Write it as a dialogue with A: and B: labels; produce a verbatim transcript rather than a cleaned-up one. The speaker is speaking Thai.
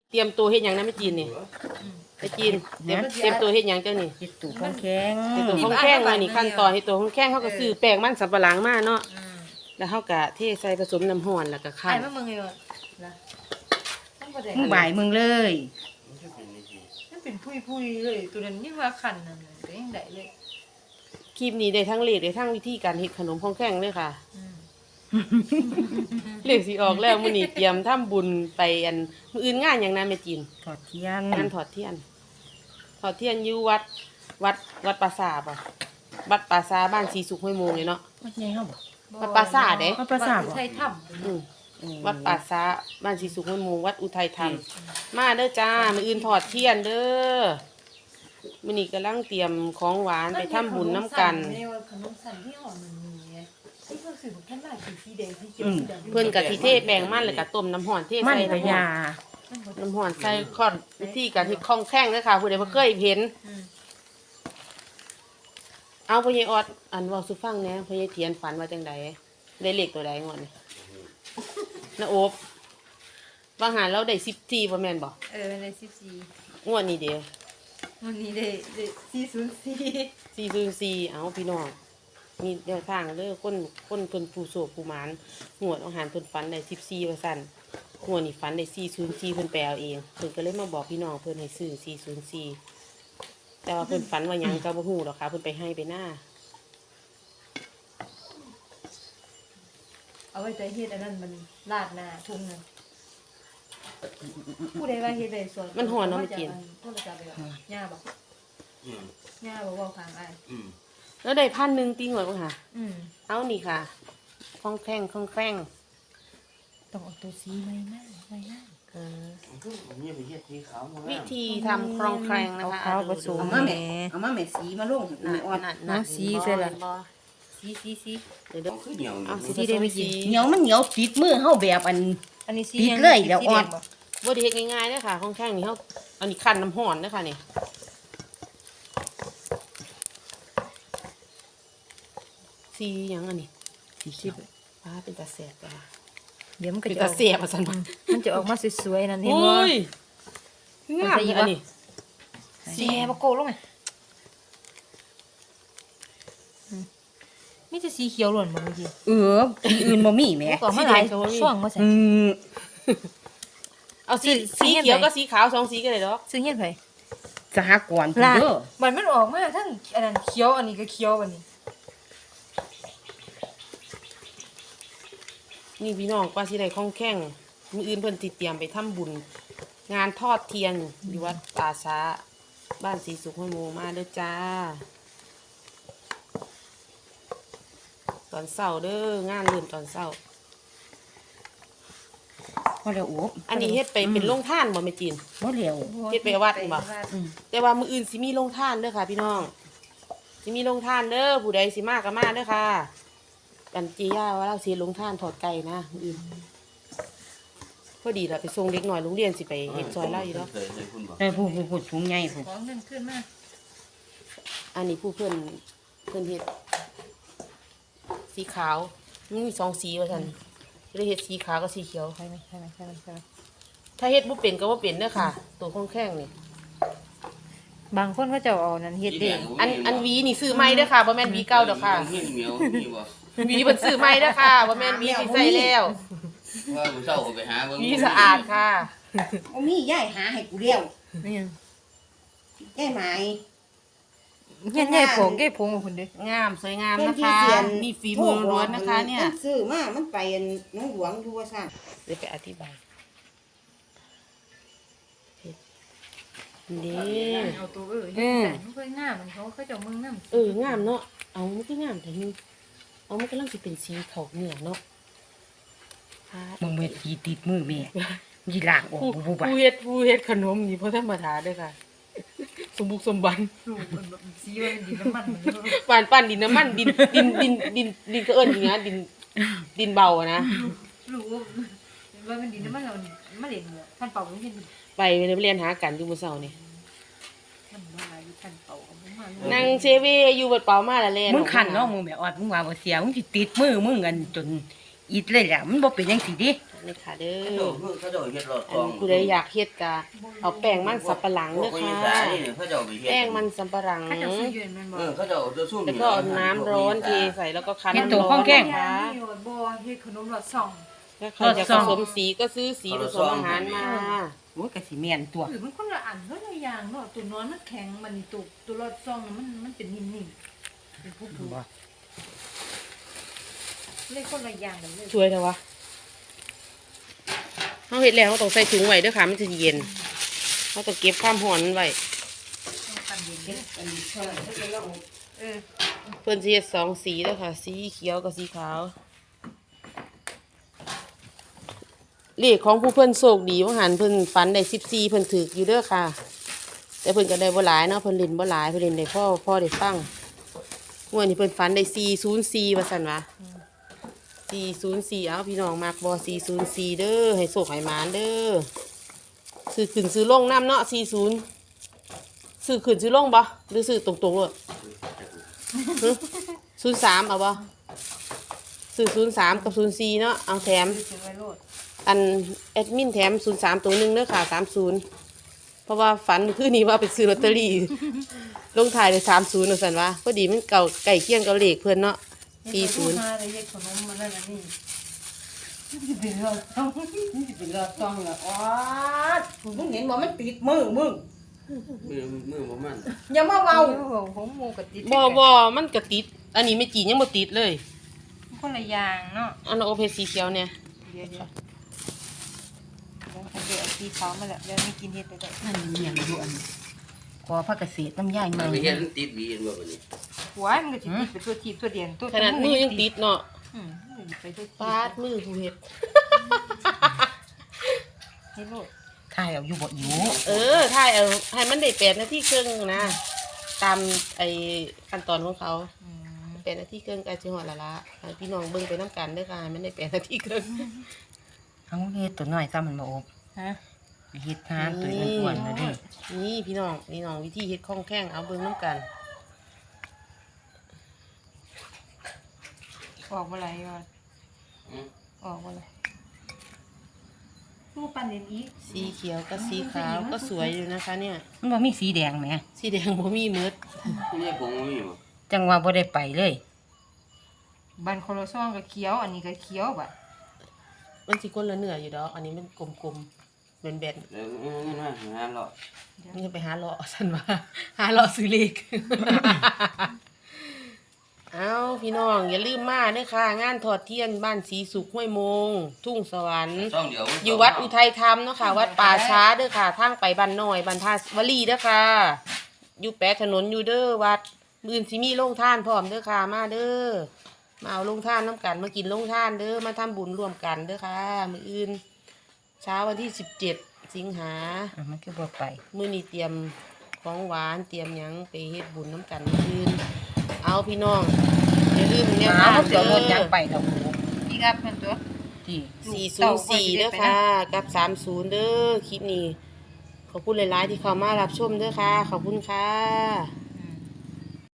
A: เตรียมตัวเฮ็ดหยังนะแม่จีนนี่แม่จีนเตรียมเตรียมตัวเฮ็ดหยังเจ้านี่
B: เฮ็ดตู้ของแข็ง
A: เฮ็ดตัวของแข้งมานี่ขั้นตอนเฮ็ดตัวของแข้งเขาก็ซื้อแป้งมันสับปะหลังมาเนาะแล้วเขาก็เทใส่ผสมน้ำร้อนแล้วก็คั่
C: ไอ้
A: น
C: มามึงเลยนะ
B: มึงบ่ายมึงเลย
C: มันเป็นพุยพุยเลยตัวนั้นนี่ว่าขันนั่นก็ยังได้เลย
A: คลิปนี้ได้ทั้งเลขได้ทั้งวิธีการเฮ็ดขนมของแข้งเลยค่ะเลขสิออกแล้วมื้อนี้เตรียมทำบุญไปอันมื้ออื่นงานหยังนะแม่จีน
B: ทอดเทียน
A: งานถอดเทียนถอดเทียนอยู่วัดวัดวัดปราสาทป่ะวัดปราสาทบ้านศรีสุขห้วยโมงเลยเนาะ
B: วัดใหญ่เฮาบ่
A: วัดปราสาทเด้
B: วัดปราสาทบ่
C: ใช่ถ้
A: อืมวัดปราสาทบ้านศรีสุขห้วยโมงวัดอุทัยธรรมมาเด้อจ้ามื้ออื่นถอดเทียนเด้อมื้อนี้กำลังเตรียมของหวาน
C: ำ
A: ไปทำบุญน้ำกัน
C: ขนมสั่นที่ห่อมันมีไงที่เขาสื่อท่านหลายสีสีแดงสีเขียวสีดำ
A: เพิ่นกะทิเทแป้งมันแล้วก็ต้มน้ำร้อนเท
B: มัน
A: ใส่
B: ก็
A: น้ำร้อย
B: าน
A: น้ำร้อนใส่ข้อนวิธีการเฮ็ดคล่องแคล่งเด้อค่ะผู้ใดบ่เคยเห็นเอาพ่อใหญ่ออดอันเว้าสู่ฟังแหน่พ่อใหญ่เถียนฝันว่าจังไดได้เลขตัวใดงวดนี้น้าโอบบางหาเราได้สิบสี่บ่แม่นบ่
C: เออเป็นอะไรสิบสี่
A: งวดนี้เด้อ
C: วันนี้ได้ได้สี่ศูนย์สี่
A: สี่ศูนย์สี่เอาพี่น้องมีแนวทางเด้อคนคนเพิ่นผู้โศกผู้หมานงวดอาหารเพิ่นฝันได้สิบสี่ว่าซั่นงวดนี้ฝันได้สี่ศูนย์สี่เพิ่นไปเอาเองเพิ่นก็เลยมาบอกพี่น้องเพิ่นให้ซื้อสี่ศูนย์สี่แต่ว่าเพิ่นฝันว่าหยังก็บ่ฮู้ดอกค่ะเพิ่นไปให้ไปหน้า
C: เอาไว้ใจเฮ็ดอันนั้นมันลาดหน้าทุ่งนั่นผู้ใดว่าเฮ็ดได้ส่วนโทรศัพท์ไปก่อนย่าบอกย่าบอกว่าฟังไอ้
A: แล้วได้พันหนึ่งตีหัวบ่ค่ะ
C: อืม
A: เอานี่ค่ะคล่องแคล่งคล่องแคล่ง
C: ต้องเอาตัวสีไม่น่าไม่น่า
A: เออ
D: วิ
A: วิธีทำคล่องแคล่งนะคะ
B: ข้าวผสม
A: ดู
B: มา
A: ๆ
B: แม่เอามาแม่สีมาลงให้
A: น่ะ
B: แม่ออด
A: น่ะ
B: น้
A: น่ะ
B: สีใส่ละ
A: บ่
C: สีสีสี
A: เดี๋ยวเดี๋ยว
D: คือเหนียว
A: เอาสี
C: สีได้ไม่กิน
B: เหนียวมันเหนียวติดมือเฮาแบบอัน
C: อันนี้สี
B: ติดเลยแล้วออด
A: บ่ได้เฮ็ดง่ายๆเด้อค่ะคล่องแคล่งนี่เฮาอันนี้คั่นน้ำร้อนเด้อค่ะนี่สีหยังอันนี้
B: สีเขียว
A: ป้าเป็นตาแสบจ้ะ
C: เดี๋ยวมันก็
A: เป็น
C: จะ
A: ตาแสบว่าซั่นบ่
C: มันจะออกมาสวยๆนั่นเห็น
A: โอ้
C: บ่
A: ยงามเลยอันนี้
C: สีแฮบโกลงไหมมีแต่สีเขียวล้วนบ่เมื่อกี้
B: เออสีอื่นบ่มีแม่
C: ก็มาหลายช่วงมาใส่
B: อืม
A: เอาสี
C: สี
A: สี
C: เห็นไหม
A: เขียวกับสีขาวสองสีก็ได้ดอก
C: ซื้อเฮ็ดไผ
B: สหกรณ์พุ่น
C: ล่ะ
B: เด้อ
C: มันมันออกมาทั้งอันนั้นเขียวอันนี้ก็เขียวอันนี้
A: นี่พี่น้องกว่าสิได้คล่องแคล่งมื้ออื่นเพิ่นสิเตรียมไปทำบุญ งานทอดเทียนอยู่วัดป่าช้าบ้านศรีสุขห้วยโมงมาเด้อจ้า ตอนเช้าเด้องานเริ่มตอนเช้า
B: บ่แล้วโอบ
A: อันนี้เฮ็ดไปเป็นโรงทานบ่แม่จีน
B: บ่แล้ว
A: เฮ็ดไปวัดนี่บ่
B: อืม
A: แต่ว่ามื้ออื่นสิมีโรงทานเด้อค่ะ พี่น้องสิมีโรงทานเด้อผู้ใดสิมาก็มาเด้อค่ะกันจีย่าว่าเราสิโรงทานทอดไก่นะมื้ออื่นพอดีล่ะไปส่งเด็กน้อยโรงเรียนสิไปเฮ็ดซอยเล่าอยู่เนาะ
D: เคยเคยคุณบอก
B: ได้ผู้ผู้ผู้ถุงใหญ่ผู้
C: ของนั่นขึ้นมา
A: อันนี้ผู้เพิ่นเพิ่นเฮ็ดสีขาวมันมีสองสีว่าซั่นเลยเฮ็ดสีขาวกับสีเขียว
C: ใช่ไหมใช่ไหมใช่ไหมใช่ไหม
A: ถ้าเฮ็ดบ่เป็นก็บ่เป็นเด้อค่ะ ตัวคล่องแคล่งนี่
C: บางคนเขาจะเอานั้นเฮ็ดเอง
A: อันอันหวีนี่ซื้อใหม่เด้อค่ะบ่แม่นหวีเก่าดอกค่ะ
D: เหนียวนี่บ่
A: หวีเพิ่นซื้อใหม่เด้อค่ะบ่แม่นหวีที่ใส่แล้ว
D: ว่าผู้เฒ่าก็ไปหาเบิ่ง
A: หวีสะอาดค่ะ
B: บ่มียายหาให้กูแล้ว
C: นี่
B: ยายหมาย
C: เงี้ยใหญ่ผงใหญ่ผงของคุณเด้
A: งามสวยงาม
B: เพิ่น
A: นะ
B: ที่
A: คะ
B: เสียน
A: นี่ฝีมือล้วนนะคะเนี่ย
B: พิ่ซื้อมามันไปอันน้องหลวงอยู่ว่าซั่น
A: เดี๋ยวไปอธิบายเฮ็ดนี่
C: เอาตัวเออเฮ็ดแต่มันเคยงามมันเขาเขาจะเอามึงนำ
A: เอองามเนาะเอามันก็งามแต่นี่เอามันกำลังสิเป็นสีเขาเหนือเนาะค่ะ
B: มึงเม็ดสีติดมือแม่ยีลากออก
A: ผู้
B: บ่บ่บ่
A: ผู้เฮ็ดผู้เฮ็ดขนมนี่เพราะธรรมดาเด้อค่ะ สมบุกสมบัน
C: ลูกมันแบบสีมันดินน้ำมันมัน
A: ปานปั้นดินน้ำมันดินดินดินดินดินก็เอิ้นอย่างเงี้ยดินดินเบาอะนะ
C: รู้ว่ามันดินน้ำมันเรามันเล่นเนี่ยท่านเป่าไม่เห็น
A: ไปเรียนหากันอยู่มื้อเช้านี่
C: ท่านมาอยู่ท่านเป่าผมมา
A: นั่งเซเว่อยู่บัดเปามาแล้วแล
B: มึงคันเนาะมึงแม่ออดมึงว่าบ่เสียมึงสิติดมือมึงกันจนอิดเลยแหละมันบ่เป็นจังซี่ดิ
A: อนี่ค่ะเด้
D: เขา
A: อ
D: เจ้าเขาเจ้าเฮ็ดรอด
A: อั
D: ซ
A: น
D: อง
A: ผู้ใดอยากเฮ็ดก็เอาแป้งมันสับปะหลัง
D: พว
A: เด้
D: ก
A: อ
D: คนอี
A: ค่ะ
D: สานนี่เขาเจ้าไปเฮ็ด
A: แป้งมันสับปะหลัง
C: ถ้าจะซื้อยืนมันบ่
D: เออเขาเจ้าจะซุ่ม
A: แล้วก็เอาน้ำร้อนเทใส่แล้วก็คั้น
B: เฮ็ด
A: น้ำ
B: ตัว
A: ร้
B: ข้
A: อ
B: อน งแกง
A: นะคะ
C: นี่บ่เฮ็ดขนมหลอดซอง
A: ถ้าใครอยากผสมสีก็ซื้อสีผสมอาหารมา
B: โอ้ยก็สิแม่นตัว
C: หรือมันคนละอันคนละอย่างเนาะตัวนอนมันแข็งมันตุกตัวหลอดซองน่ะมันมันเป็นนิ่มๆเป็นผู้ๆ
B: บ่
C: เลยคนละอย่างกันเลย
A: ช่วยเถอะวะเขาเห็ดแล้วเขาต้องใส่ถุงไว้เด้วยค่ะมันจะเย็นเขาต้องเก็บความร้อนมันไว้
C: กันเย็นเด้อ
B: อันนี้ช่วยให้เป็นละอบ
C: เออ
A: เพิ่นสิเฮ็ดสองสีเด้อค่ะ สีเขียวกับสีขาวเลขของผู้เพิ่นโชคดีว่าหันเพิ่นฝันได้สิบสี่เพิ่นถืออยู่เด้อค่ะ แต่เพิ่นก็ได้บ่หลายเนาะเพิ่นเล่นบ่หลายเพิ่นเล่นได้พ่อพ่อได้ฟังงวดนี้เพิ่นฝันได้สี่ศูนย์สี่ว่าซั่นวะสี่ศูนย์สี่เอาพี่น้องมักบ่สี่ศูนย์สี่เด้อให้โชคให้หมานเด้อซื้อขึ้นซื้อลงนำเนาะสี่ศูนย์ซื้อขึ้นซื้อลงบ่หรือซื้อตรงๆโลดศูนย์สามเอาบ่ซื้อศูนย์สามกับศูนย์สี่เนาะเอาแถม
C: ซื้อไว้โลด
A: อันแอดมินแถมศูนย์สามตัวหนึ่งเด้อค่ะสามศูนย์เพราะว่าฝันคือนี้ว่าไปซื้อลอตเตอรี่ ลงถ่ายเลยสามศูนย์สันว่าพอดีมันเก่าไก่เคียงเก่าเลขเพื่อนเนาะสี่ศูนย์
C: เฮ็ดเลยเฮ็ดขนมมันนั่นน่ะนี่
B: มันสิเป็นรอดซองมันสิเป็นรอดซองเหรออ๋อมึงเห็นบ่มันติดมือมึง
D: มือมือบ่มัน
B: อย่ามาเว้า
C: เอาของหมูกับติด
A: บ่บ่มันกระติด อันนี้ไม่จีนยังบ่ติดเลย
C: คนละอย่างเนาะ
A: อันโอเพสีเขียวเนี่ย
C: เดี๋ยวๆเดี๋ยวเอาเดี๋ยวเอาสีขาวมาแล้วเดี๋ยวไม่กินเฮ็ดไปได้
B: นั่นเมียงอยู่อันขอพระเกษตรน้ำย่ายใหม่
D: ไปเฮ็ดมันติดบีนบ่บัดนี้
C: หวายมันก็สิติดเป็นตัวทีบตัวเดียนตัว
A: ขนาดมือยังติดเนาะ
C: อืมไปตัวทีบ
A: ปาดมือผู้เฮ็ด
C: เฮ็ดโลด
B: ถ่ายเอาอยู่บ่อยู่
A: เออถ่ายเอาให้มันได้แปดนาทีครึ่งนะตามไอ้ขั้นตอนของเขา
C: อืม
A: แปดนาทีครึ่งใกล้สิฮอดแล้วล่ะให้พี่น้องเบิ่งไปนํกันเด้อค่ะให้มันได้แปดนาทีครึ่ง
B: เอาเฮ็ดตัวน้อยซ้ำมันมาอบ
C: ฮะ
B: เฮ็ดหาตัวมันอ้วนแล้วเดิ
A: นี่พี่น้องพี่น้องวิธีเฮ็ดคล่องแคล่งเอาเบิ่งน้ำกัน
C: ออกบ่ไหลว่ะ
D: อืม
C: ออกบ่ไหลลูกปันเด่นอีก
A: สีเขียวกับสีขาวก็สวยอยู่นะคะ เนี่ย
B: มันบ่มีสีแดงแหม
A: สีแดงบ่มีมืด
D: นี่ผงบ่มีบ่
B: จังว่าบ่ได้ไปเลย
C: บันโคโลซองก็เขียว อันนี้ก็เขียวบัด
A: มันสิคนละเนื้ออยู่ดอกอันนี้มันกลมๆเป็นแบน
D: เดี๋ยวมันมาหาเลาะ
A: ๆมันจะไปหาเลาะสันว่า หาเลาะซื้อเลข เอาพี่น้องอย่าลืมมาเด้อค่ะ งานถอดเทียนบ้านสีสุขห้วยโมง ทุ่งสวรรค์
D: ช่องเดียวมัน
A: อยู่วัดอุทัยธรรมเนาะค่ะ วัดป่าช้าเด้อค่ะทางไปบ้านน้อยบ้านท่าวลีเด้อค่ะ อยู่แปะถนนอยู่เด้อวัดมื้ออื่นสิมีโรงทานพร้อมเด้อค่ะมาเด้อมาเอาโรงทานน้ำกันมากินโรงทานเด้อมาทำบุญร่วมกันเด้อค่ะมื้ออื่น เช้าวันที่สิบเจ็ดสิงหา
B: อ่ะมันคือบ่ไป
A: มื้อนี้เตรียมของหวานเตรียมหยังไปเฮ็ดบุญน้ำกันมื้ออื่นเอาพี่น้องอย่าลืมแนว
B: หา
A: ทาง
B: เดี๋ยวรถยังไปดอก
C: นี่ครับมันตัว
B: ที่
A: สี่ศูนย์สี่เด้อค่ะ กับสามศูนย์เด้อคลิปนี้ ขอบคุณหลาย ๆ ที่เข้ามารับชมเด้อค่ะ ขอบคุณค่ะ